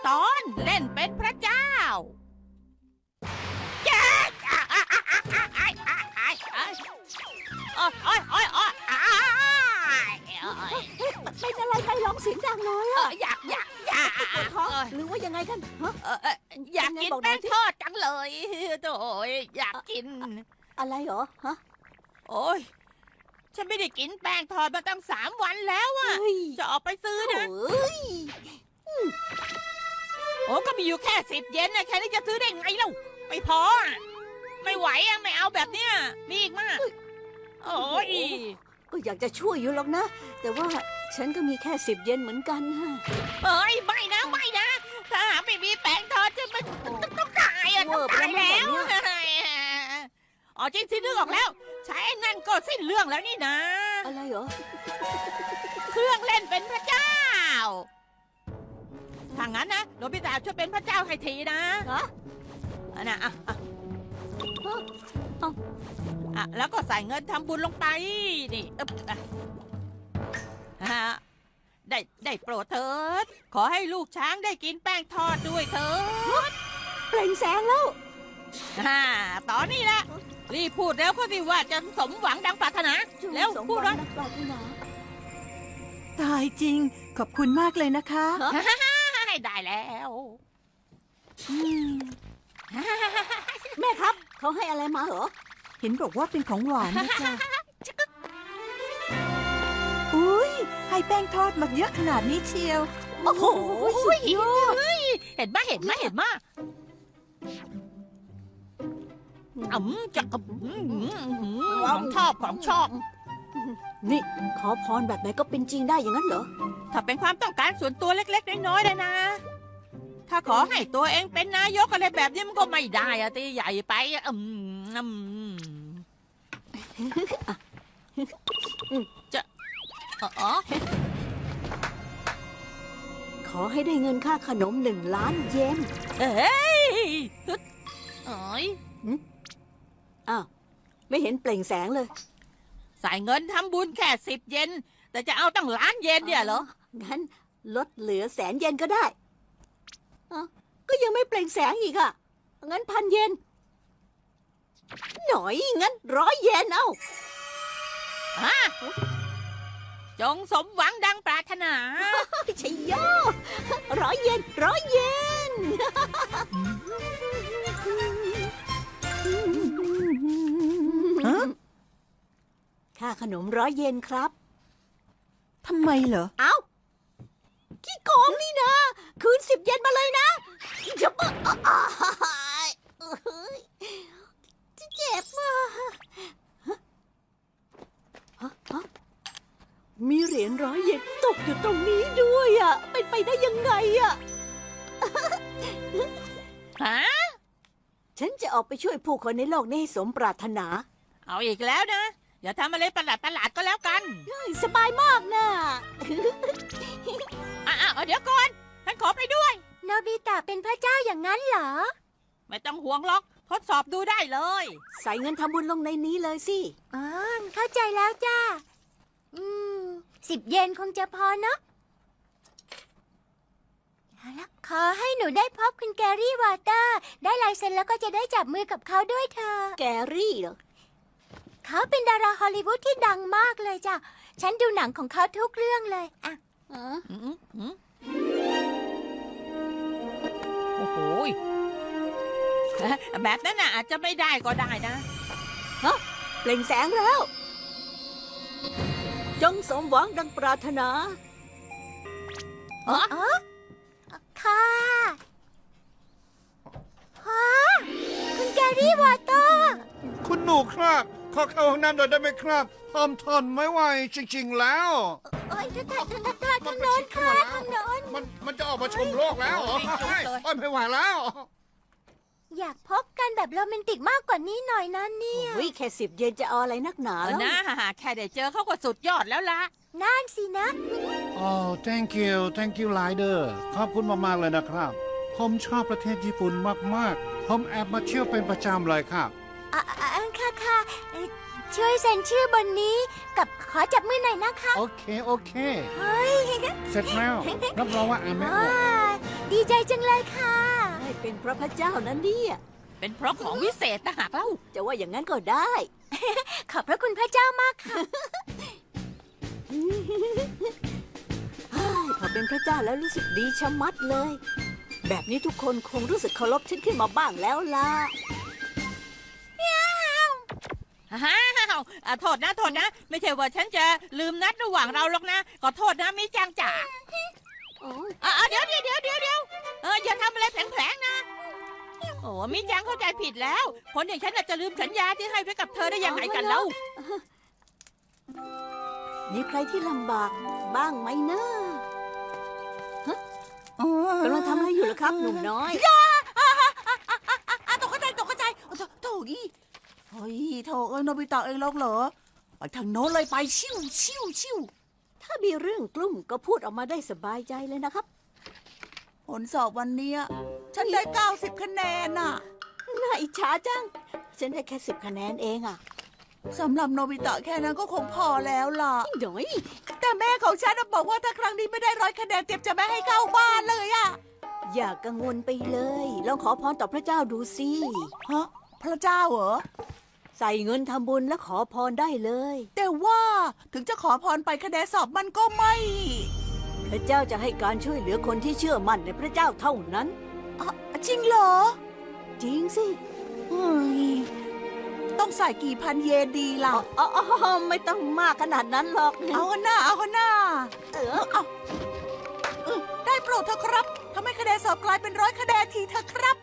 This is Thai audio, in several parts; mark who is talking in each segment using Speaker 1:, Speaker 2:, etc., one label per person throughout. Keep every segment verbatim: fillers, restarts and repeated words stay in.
Speaker 1: ตอนเล่นเป็นพระเจ้าแจ๊กโอ้ยโอ้ยโอ้ยโอ้ย
Speaker 2: เป็นอะไรใครร้องเสียงดังเลยอะ
Speaker 1: อยากอยากอยาก
Speaker 2: ปวดท้องหรือว่ายังไงกันฮะ
Speaker 1: อยากกินแป้งทอดจังเลยโถ่อยากกิน
Speaker 2: อะไรเหรอฮะ
Speaker 1: โอ้ยฉันไม่ได้กินแป้งทอดมาตั้งสามวันแล้วอะ
Speaker 2: เฮ้ย
Speaker 1: จะออกไปซื้อนะ
Speaker 2: โอ้ย
Speaker 1: โอ้ก็มีอยู่แค่สิบเยนนะแค่นี้จะซื้อได้ไงเล่าไม่พออะไม่ไหวอะไม่เอาแบบเนี้ยมีอีกมากโอ้ย
Speaker 2: ก็อยากจะช่วยอยู่หรอกนะ แต่ว่าฉันก็มีแค่สิบเยนเหมือนกันฮะ
Speaker 1: เอ้ยไม่นะไม่นะถ้าหาไม่มีแป้งทอดจะมันต้องตายอะต้องตายแล้วอ๋อจริงสินึกออกแล้วใช้นั่นก็สิ้นเรื่องแล้วนี่นะ
Speaker 2: อะไรเหรอ
Speaker 1: เครื่องเล่นเป็นพระเจ้าถ้างั้นนะโนบิตะช่วยเป็นพระเจ้าให้ทีนะ
Speaker 2: ฮะ
Speaker 1: อันน่ะอ่ะอ่ะ
Speaker 2: ฮะเอ้า
Speaker 1: อ่ะแล้วก็ใส่เงินทำบุญลงไปนี่อึ๊บอ่ะฮะได้ได้โปรดเถิดขอให้ลูกช้างได้กินแป้งทอดด้วยเถิด
Speaker 2: เปล่งแสงแล้ว
Speaker 1: ฮ่าตอนนี้ละรีบพูดแล้วก็สิว่าจะสมหวังดังปรารถนาแล้ว
Speaker 2: สม
Speaker 1: พูด
Speaker 2: หวั
Speaker 1: ว่าง
Speaker 2: นักปรารถนา
Speaker 3: ตายจริง ขอบคุณมากเลยนะคะ
Speaker 1: ให้ได้แล้ว
Speaker 3: อืม
Speaker 2: แม่ครับ เขาให้อะไรมาเหรอ
Speaker 3: เห็นบอกว่าเป็นของหวานนะจ๊ะอุ้ยให้แป้งทอดมาเยอะขนาดนี้เชียว
Speaker 2: โอ้โหสุดยอด
Speaker 1: เห็นไหมเห็นไหมเห็นไหมอืมจะอืมของชอบของชอบ
Speaker 2: นี่ขอพรแบบไหนก็เป็นจริงได้อย่างนั้นเหรอ
Speaker 1: ถ้าเป็นความต้องการส่วนตัวเล็กๆน้อยๆเลยนะ ถ้าขอให้ตัวเองเป็นนายกอะไรแบบนี้มันก็ไม่ได้อะตีใหญ่ไปอะอืมอืมจะอ๋อ
Speaker 2: ขอให้ได้เงินค่าขนมหนึ่งล้านเยน
Speaker 1: เอ้ยฮึดเอ้ย
Speaker 2: อ้าว ไม่เห็นเปล่งแสงเลย
Speaker 1: ใส่เงินทำบุญแค่สิบเยนแต่จะเอาตั้งล้านเยนเนี่ยเหรอ
Speaker 2: งั้นลดเหลือแสนเยนก็ได้อ้าวก็ยังไม่เปล่งแสงอีกอะงั้นพันเยน หน่อย งั้นร้อยเยนเอา
Speaker 1: ฮะจงสมหวังดังปรารถนา
Speaker 2: ชัยโยร้อยเยนร้อยเยน
Speaker 3: ฮะ
Speaker 2: ค่าขนมร้อยเยนครับ
Speaker 3: ทำไมเหรอ
Speaker 2: เอ้าขี้โกงนี่นะ คืนสิบเยนมาเลยนะจะบ้าเจ็บอ่ะฮะฮะมีเหรียญร้อยเยนตกอยู่ตรงนี้ด้วยอ่ะ เป็นไปได้ยังไงอ่ะ
Speaker 1: ฮะ
Speaker 2: ฉันจะออกไปช่วยผู้คนในโลกนี้ให้สมปรารถนา
Speaker 1: เอาอีกแล้วนะ อย่าทำอะไรประหลาดประหลาดๆก็แล้วกัน
Speaker 2: สบายมากนะ
Speaker 1: อ่ะๆเดี๋ยวก่อนฉันขอไปด้วย
Speaker 4: โนบิตะเป็นพระเจ้าอย่างนั้นเหรอ
Speaker 1: ไม่ต้องห่วงหรอก ทดสอบดูได้เลย
Speaker 2: ใส่เงินทำบุญลงในนี้เลยสิ
Speaker 4: อ๋อ เข้าใจแล้วจ้า อืม สิบเยนคงจะพอเนอะเอาละขอให้หนูได้พบคุณแกรี่วอเตอร์ ได้ลายเซ็นแล้วก็จะได้จับมือกับเขาด้วยเธอ
Speaker 2: แกรี่เหรอ
Speaker 4: เขาเป็นดาราฮอลลีวูดที่ดังมากเลยจ้ะ ฉันดูหนังของเขาทุกเรื่องเลยอ่ะ
Speaker 2: อ๋อ
Speaker 1: อืมอืมโอ้โหยแบบนั้นน่ะอาจจะไม่ได้ก็ได้นะ
Speaker 2: เปล่งแสงแล้ว จงสมหวังดังปรารถนา
Speaker 1: อ๋อ
Speaker 4: อ๋อ ค่ะฮะคุณแกรี่วอเตอร์
Speaker 5: คุณหนูครับ ขอเข้าห้องน้ำหน่อยได้ไหมครับทอมทนไม่ไหวจริงๆแล้ว
Speaker 4: โอ้ยทางทางทางทางทางโน้นค่ะทางโน้น
Speaker 5: มันมันจะออกมาชมโลกแล้วเหรอ
Speaker 1: โอ้ยจุ๊บเลย
Speaker 5: โอ้ยไม่ไหวแล้ว
Speaker 4: อยากพบกันแบบโรแมนติกมากกว่านี้หน่อยนะเนี่ย
Speaker 2: โอ้ยแค่สิบเยนจะเอาอะไรนักหนา
Speaker 1: เออ
Speaker 2: แล้ว
Speaker 1: นะแค่ได้เจอเขาก็สุดยอดแล้วล่ะ
Speaker 4: นั่นสินะ
Speaker 5: โอ้ thank you thank you rider ขอบคุณมากๆเลยนะครับ ผมชอบประเทศญี่ปุ่นมากๆ ผมแอบมาเที่ยวเป็นประจำเลยครับ
Speaker 4: อ่ะอ่ะอ่ะค่ะค่ะเอ่อช่วยเซ็นชื่อบนนี้กับขอจับมือหน่อยนะคะ
Speaker 5: โอเค โอเค
Speaker 4: เฮ้ย
Speaker 5: เสร็จแล้ว รับรองว่าอ่านไม่อ
Speaker 4: ว้า
Speaker 5: อก
Speaker 4: วดีใจจังเลยค่ะ
Speaker 2: ให้เป็นเพราะพระเจ้านั้นเนี่ย
Speaker 1: เป็นเพราะของวิเศษนะหากเล่า
Speaker 2: จะว่าอย่างนั้นก็ได้
Speaker 4: ขอบพระคุณพระเจ้ามากค่ะ
Speaker 2: เฮ้ยพอเป็นพระเจ้าแล้วรู้สึกดีชะมัดเลย แบบนี้ทุกคนคงรู้สึกเคารพฉันขึ้นมาบ้างแล้วล่ะ
Speaker 1: ฮ่าวอ่ะโทษนะโทษนะ ไม่ใช่ว่าฉันจะลืมนัดระหว่างเราหรอกนะขอโทษนะมิจังจ๋า
Speaker 2: โอ้ย
Speaker 1: อ่ะเดี๋ยวเดี๋ยวเดี๋ยวเดี๋ยวเดี๋ยวเอออย่าทำอะไรแผลงๆนะโอ้มิจังเข้าใจผิดแล้วคนอย่างฉันน่ะจะลืมสัญญาที่ให้ไว้กับเธอได้ยังไงกันเล่า
Speaker 2: มีใครที่ลำบากบ้างไหมนะกำลังทำอะไรอยู่ล่ะครับหนุ่มน้อย
Speaker 3: ตกใจตกใจโถโถยี่เฮ้ยโถเอ้ยโนบิตะเองหรอกเหรอไปทางโน้นเลยไปชิวชิวชิว
Speaker 2: ถ้ามีเรื่องกลุ้มก็พูดออกมาได้สบายใจเลยนะครับ
Speaker 3: ผลสอบวันเนี้ยฉันได้เก้าสิบคะแนนน่ะ
Speaker 2: น่าอิจฉาจัง ฉันได้แค่สิบคะแนนเองอ่ะ
Speaker 3: สำหรับโนบิตะแค่นั้นก็คงพอแล้วล่ะ
Speaker 2: หน่อย
Speaker 3: แต่แม่ของฉันน่ะบอกว่าถ้าครั้งนี้ไม่ได้ร้อยคะแนนเต็มจะไม่ให้เข้าบ้านเลยอะ
Speaker 2: อย่ากังวลไปเลย ลองขอพรต่อพระเจ้าดูสิ
Speaker 3: ฮะพระเจ้าเหรอ
Speaker 2: ใส่เงินทำบุญและขอพรได้เลย
Speaker 3: แต่ว่าถึงจะขอพรไปคะแนนสอบมันก็ไม่
Speaker 2: พระเจ้าจะให้การช่วยเหลือคนที่เชื่อมั่นในพระเจ้าเท่านั้น
Speaker 3: อ่ะจริงเหรอ
Speaker 2: จริงสิ
Speaker 3: เฮ้ยต้องใส่กี่พันเยนดีล่ะ
Speaker 2: อ๋ออ๋อไม่ต้องมากขนาดนั้นหรอก
Speaker 3: เอาหน้าเอาหน้า
Speaker 2: เออ
Speaker 3: เอาเออได้โปรดเถอะครับทำให้คะแนนสอบกลายเป็นร้อยคะแนนทีเถอะครับ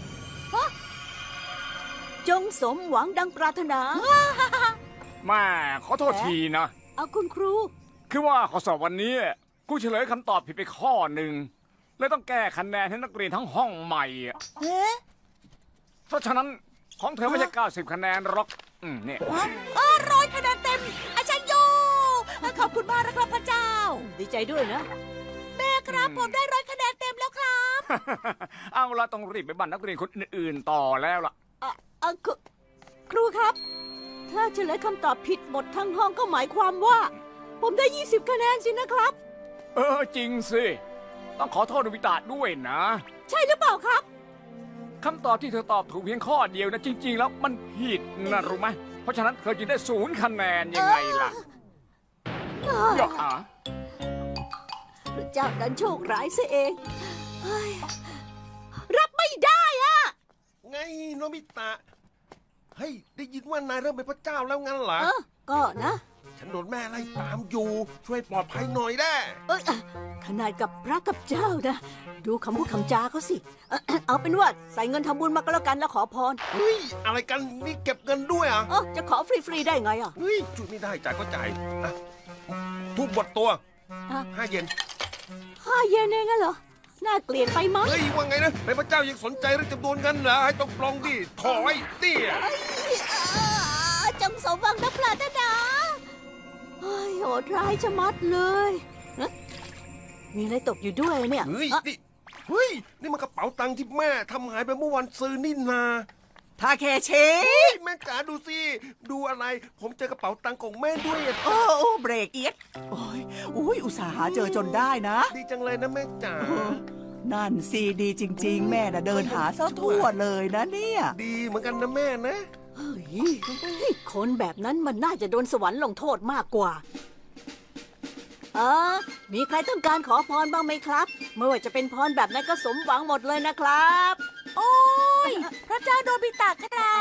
Speaker 2: จงสมหวังดังปรารถนา
Speaker 6: แม่ขอโทษทีนะ
Speaker 2: เอาคุณครู
Speaker 6: คือว่าข้อสอบวันนี้ครูเฉลยคำตอบผิดไปข้อหนึ่งเลยต้องแก้คะแนนให้นักเรียนทั้งห้องใหม่อะ
Speaker 3: เอ๊ะ
Speaker 6: เพราะฉะนั้นของเธอไม่ใช่เก้าสิบคะแนนหรอกอืมเนี่ย
Speaker 3: ฮะเออร้อยคะแนนเต็มอาจารย์โยขอบคุณมากนะครับพระเจ้า
Speaker 2: ดีใจด้วยนะ
Speaker 3: แม่ครับผมได้ร้อยคะแนนเต็มแล้วครับ
Speaker 6: เอาละต้องรีบไปบันนักเรียนคนอื่นๆต่อแล้วล่ะ
Speaker 2: อ่ะอ่ะครูครูครับ ถ้าเฉลยคำตอบผิดหมดทั้งห้องก็หมายความว่า ผมได้ยี่สิบคะแนนสินะครับ
Speaker 6: เออจริงสิ ต้องขอโทษโนบิตะด้วยนะ
Speaker 2: ใช่หรือเปล่าครับ
Speaker 6: คำตอบที่เธอตอบถูกเพียงข้อเดียวนะจริง ๆ แล้วมันผิดนะรู้ไหมเพราะฉะนั้นเธอจึงได้ศูนย์คะแนนยังไงล่ะอย่าอ่ะ
Speaker 2: พระเจ้าดันโชคร้ายซะเองเฮ้ยรับไม่ได้อะ
Speaker 7: ไงโนบิตะ เฮ้ย ได้ยินว่านายเริ่มเป็นพระเจ้าแล้วงั้นเหรอ
Speaker 2: เออก็นะ
Speaker 7: ฉันโดนแม่ไล่ตามอยู่ ช่วยปลอดภัยหน่อยได้
Speaker 2: เอ้ยอ่ะขนาดกับพระกับเจ้านะ ดูคำพูดคำจาเขาสิเอ่อเอาเป็นว่าใส่เงินทำบุญมาก็แล้วกันแล้วขอพร
Speaker 7: เฮ้ย อะไรกันนี่เก็บเงินด้วยอ่ะ
Speaker 2: เออจะขอฟรีๆได้ไงอ่ะ
Speaker 7: เฮ้ยช่วยไม่ได้จ่ายก็จ่ายอ่ะทุกบทตัว
Speaker 2: อ่ะ
Speaker 7: ห้าเยน
Speaker 2: ห้าเยนเองอะเหรอ น่าเกลียดไปมั้ง
Speaker 7: เฮ้ย ว่าไงนะเป็นพระเจ้ายังสนใจเรื่องจำนวนเงินเหรอ ให้ต้องปลองดิถอยดิ
Speaker 2: เอ้ยอ่าจงสมหวังนักปรารถนาเฮ้ยโหดร้ายชะมัดเลยฮะมีอะไรตกอยู่ด้วยเนี่ย
Speaker 7: เฮ้ย
Speaker 2: อ่ะ
Speaker 7: นี่ เฮ้ย นี่มันกระเป๋าตังค์ที่แม่ทำหายไปเมื่อวันซื้อนี่นา
Speaker 3: ทาเคเช
Speaker 7: เฮ้ยแม่จ๋าดูสิ ดูอะไร ผมเจอกระเป๋าตังค์ของแม่ด้วยอะ
Speaker 3: โอ้โอ้เบรกเอียดโอ้ยอุ้ยอุตส่าห์หาเจอจนได้นะ
Speaker 7: ดีจังเลยนะแม่จ๋า
Speaker 3: นั่นซีดีจริง ๆ แม่น่ะเดินหาซะทั่วเลยนะเนี่ย
Speaker 7: ดีเหมือนกันนะแม่นะ
Speaker 2: เฮ้ยคนแบบนั้นมันน่าจะโดนสวรรค์ลงโทษมากกว่า เออ มีใครต้องการขอพรบ้างไหมครับไม่ว่าจะเป็นพรแบบไหนั้นก็สมหวังหมดเลยนะครับ
Speaker 3: โอ้ยพระเจ้าโนบิตะครับ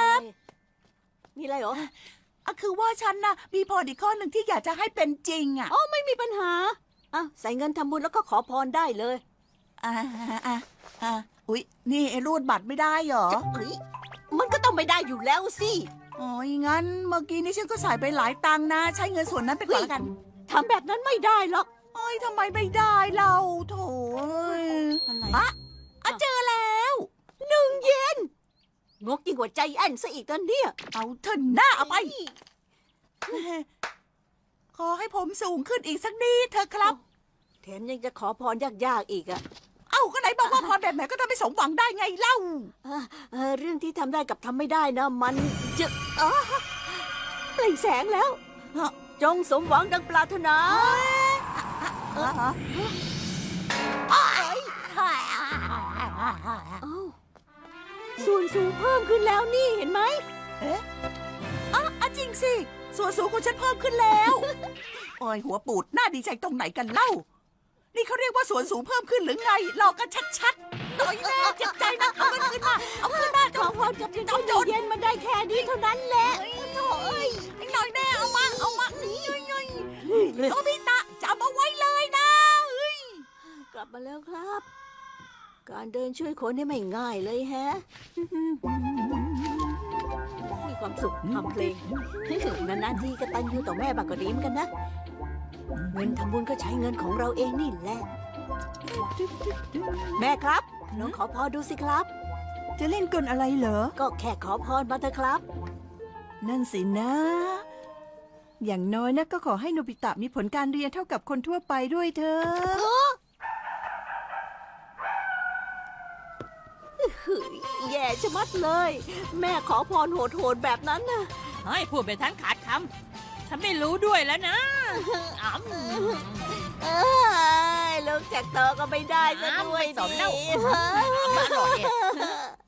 Speaker 2: มีอะไรเหรอ
Speaker 3: อ่ะคือว่าฉันน่ะมีพรอีกข้อหนึ่งที่อยากจะให้เป็นจริงอ่ะ
Speaker 2: อ๋อไม่มีปัญหาอ่ะใส่เงินทำบุญแล้วก็ขอพรได้เลย
Speaker 3: อ่าอ่าอ่าอุ๊ยนี่ไอ้รูดบัตรไม่ได้เหรอ
Speaker 2: เฮ้ยมันก็ต้องไม่ได้อยู่แล้วสิ
Speaker 3: โอ้ยงั้นเมื่อกี้นี้ฉันก็ใส่ไปหลายตังค์นะ ใช้เงินส่วนนั้นไปก่อนละกัน
Speaker 2: ทำแบบนั้นไม่ได้หรอก
Speaker 3: โอ้ยทำไมไม่ได้เราโถย
Speaker 2: อะไร
Speaker 3: อะอะเจอแล้ว
Speaker 2: หนึ่งเยนงกยิ่งกว่าใจแอนซะอีกตอนเนี้ย
Speaker 3: เอาเถอะหน้าเอาไป ขอให้ผมสูงขึ้นอีกสักนิดเถอะครับ
Speaker 2: แถมยังจะขอพรยากๆอีกอะ
Speaker 3: เอ้าก็ไหนบอกว่าพรแบบไหนก็ทำให้สมหวังได้ไงเล่า
Speaker 2: เอ่อเอ่อเรื่องที่ทำได้กับทำไม่ได้นะมันจะอ๋อเปล่งแสงแล้ว
Speaker 3: ฮะ
Speaker 2: จงสมหวังดังปรารถนา
Speaker 3: ฮะฮะ
Speaker 2: เอ้ย
Speaker 3: เฮ้ย
Speaker 2: เอ้าส่วนสูงเพิ่มขึ้นแล้วนี่เห็นไหม
Speaker 3: อ่ะจริงสิ ส่วนสูงของฉันเพิ่มขึ้นแล้ว โอ้ยหัวปูดน่าดีใจตรงไหนกันเล่า นี่เขาเรียกว่าส่วนสูงเพิ่มขึ้นหรือไงหลอกกันชัดๆหน่อยแน่เจ็บใจนะเอามันขึ้นมาเอาขึ้นมา
Speaker 2: ขอพรกับเจ้าเย็นมันได้แค่นี้เท่านั้นแหละโถ่เอ้ย
Speaker 3: หน่อยแน่เอามาเอามานี่โนบิตะจับเอาไว้เลยนะเฮ้ย
Speaker 2: กลับมาแล้วครับ การเดินช่วยคนนี่ไม่ง่ายเลยแฮะ มีความสุขทำเพลงนานๆทีกตัญญูต่อแม่บางก็ดีเหมือนกันนะ เงินทำบุญก็ใช้เงินของเราเองนี่แหละ แม่ครับลองขอพรดูสิครับ
Speaker 3: จะเล่นกลอะไรเหรอ
Speaker 2: ก็แค่ขอพรมาเถอะครับ
Speaker 3: นั่นสินะ อย่างน้อยนะก็ขอให้โนบิตะมีผลการเรียนเท่ากับคนทั่วไปด้วยเถอะ
Speaker 2: เฮ้ยแย่ชะมัดเลย แม่ขอพรโหดๆแบบนั้นนะ
Speaker 1: เฮ้ยพูดไปทั้งขาดคำฉันไม่รู้ด้วยแล้วนะอ๋ำ
Speaker 2: เอ้ยลูกจากโตก็ไม่ได้ซะด้วย
Speaker 1: ไม่สนแล้ว
Speaker 2: ดิ
Speaker 1: อร่อย